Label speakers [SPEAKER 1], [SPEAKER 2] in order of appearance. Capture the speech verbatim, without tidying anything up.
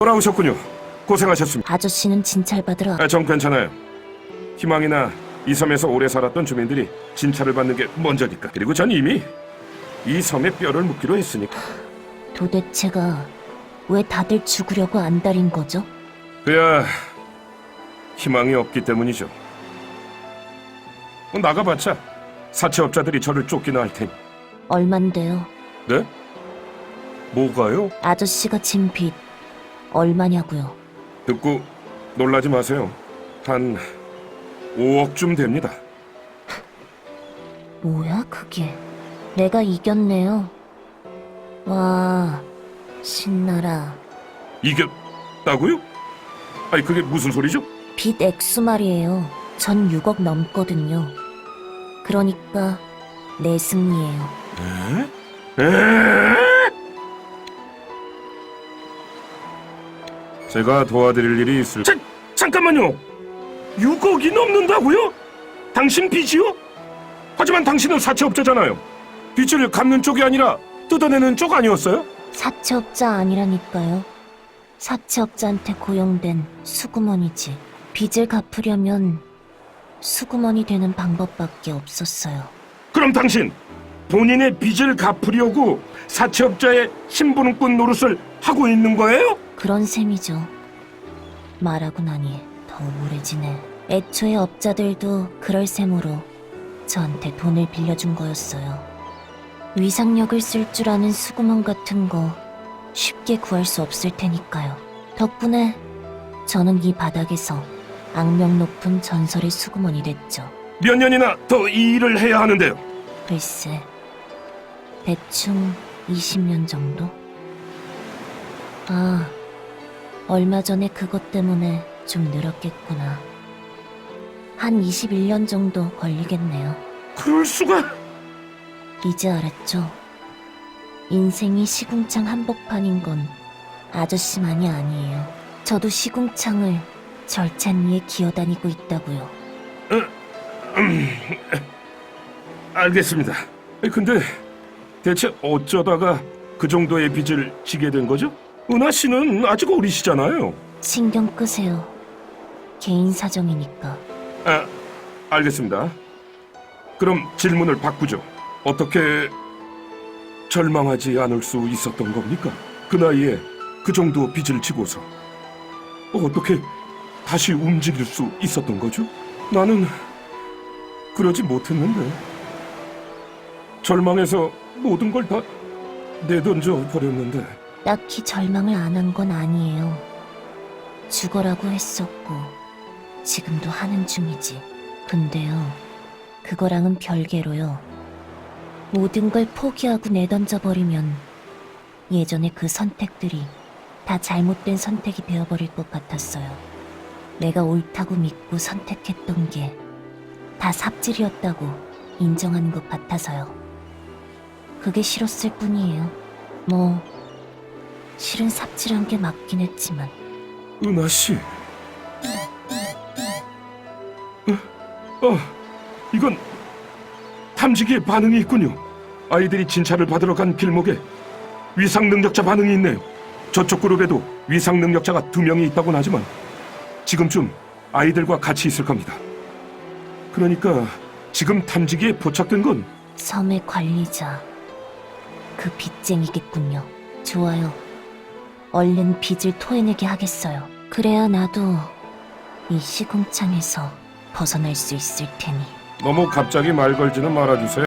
[SPEAKER 1] 돌아오셨군요. 고생하셨습니다.
[SPEAKER 2] 아저씨는 진찰받으러
[SPEAKER 1] 아, 전 괜찮아요. 희망이나 이 섬에서 오래 살았던 주민들이 진찰을 받는 게 먼저니까. 그리고 전 이미 이 섬에 뼈를 묻기로 했으니까.
[SPEAKER 2] 도대체가 왜 다들 죽으려고 안달인 거죠?
[SPEAKER 1] 그야 희망이 없기 때문이죠. 뭐 나가봤자 사채업자들이 저를 쫓기나 할 테니.
[SPEAKER 2] 얼만데요?
[SPEAKER 1] 네? 뭐가요?
[SPEAKER 2] 아저씨가 진 빚 얼마냐고요?
[SPEAKER 1] 듣고 놀라지 마세요. 한 오억쯤 됩니다.
[SPEAKER 2] 뭐야 그게? 내가 이겼네요. 와, 신나라.
[SPEAKER 1] 이겼다고요? 아니 그게 무슨 소리죠?
[SPEAKER 2] 빚 액수 말이에요. 전 육억 넘거든요. 그러니까 내 승리예요.
[SPEAKER 1] 에? 에? 제가 도와드릴 일이 있을... 자, 잠깐만요! 육억이 넘는다고요? 당신 빚이요? 하지만 당신은 사채업자잖아요. 빚을 갚는 쪽이 아니라 뜯어내는 쪽 아니었어요?
[SPEAKER 2] 사채업자 아니라니까요. 사채업자한테 고용된 수구먼이지. 빚을 갚으려면 수구먼이 되는 방법밖에 없었어요.
[SPEAKER 1] 그럼 당신 본인의 빚을 갚으려고 사채업자의 신분권 노릇을 하고 있는 거예요?
[SPEAKER 2] 그런 셈이죠. 말하고 나니 더 우울해지네. 애초에 업자들도 그럴 셈으로 저한테 돈을 빌려준 거였어요. 위상력을 쓸 줄 아는 수구먼 같은 거 쉽게 구할 수 없을 테니까요. 덕분에 저는 이 바닥에서 악명 높은 전설의 수구먼이 됐죠.
[SPEAKER 1] 몇 년이나 더 이 일을 해야 하는데요.
[SPEAKER 2] 글쎄, 대충 이십 년 정도? 아, 얼마 전에 그것 때문에 좀 늘었겠구나. 한 이십일 년 정도 걸리겠네요.
[SPEAKER 1] 그럴 수가...
[SPEAKER 2] 이제 알았죠? 인생이 시궁창 한복판인 건 아저씨만이 아니에요. 저도 시궁창을 절찬 위에 기어다니고 있다고요.
[SPEAKER 1] 음, 알겠습니다. 근데 대체 어쩌다가 그 정도의 빚을 지게 된 거죠? 은하 씨는 아직 어리시잖아요.
[SPEAKER 2] 신경 끄세요. 개인 사정이니까.
[SPEAKER 1] 아, 알겠습니다. 그럼 질문을 바꾸죠. 어떻게 절망하지 않을 수 있었던 겁니까? 그 나이에 그 정도 빚을 지고서 어떻게 다시 움직일 수 있었던 거죠? 나는 그러지 못했는데 절망해서 모든 걸 다 내던져 버렸는데.
[SPEAKER 2] 딱히 절망을 안 한 건 아니에요. 죽어라고 했었고 지금도 하는 중이지. 근데요, 그거랑은 별개로요. 모든 걸 포기하고 내던져버리면 예전에 그 선택들이 다 잘못된 선택이 되어버릴 것 같았어요. 내가 옳다고 믿고 선택했던 게 다 삽질이었다고 인정하는 것 같아서요. 그게 싫었을 뿐이에요. 뭐 실은 삽질한 게 맞긴 했지만.
[SPEAKER 1] 은하 씨. 어, 어, 이건 탐지기의 반응이 있군요. 아이들이 진찰을 받으러 간 길목에 위상 능력자 반응이 있네요. 저쪽 그룹에도 위상 능력자가 두 명이 있다고는 하지만 지금쯤 아이들과 같이 있을 겁니다. 그러니까 지금 탐지기에 포착된 건
[SPEAKER 2] 섬의 관리자, 그 빚쟁이겠군요. 좋아요. 얼른 빚을 토해내게 하겠어요. 그래야 나도 이 시궁창에서 벗어날 수 있을 테니.
[SPEAKER 1] 너무 갑자기 말 걸지는 말아주세요.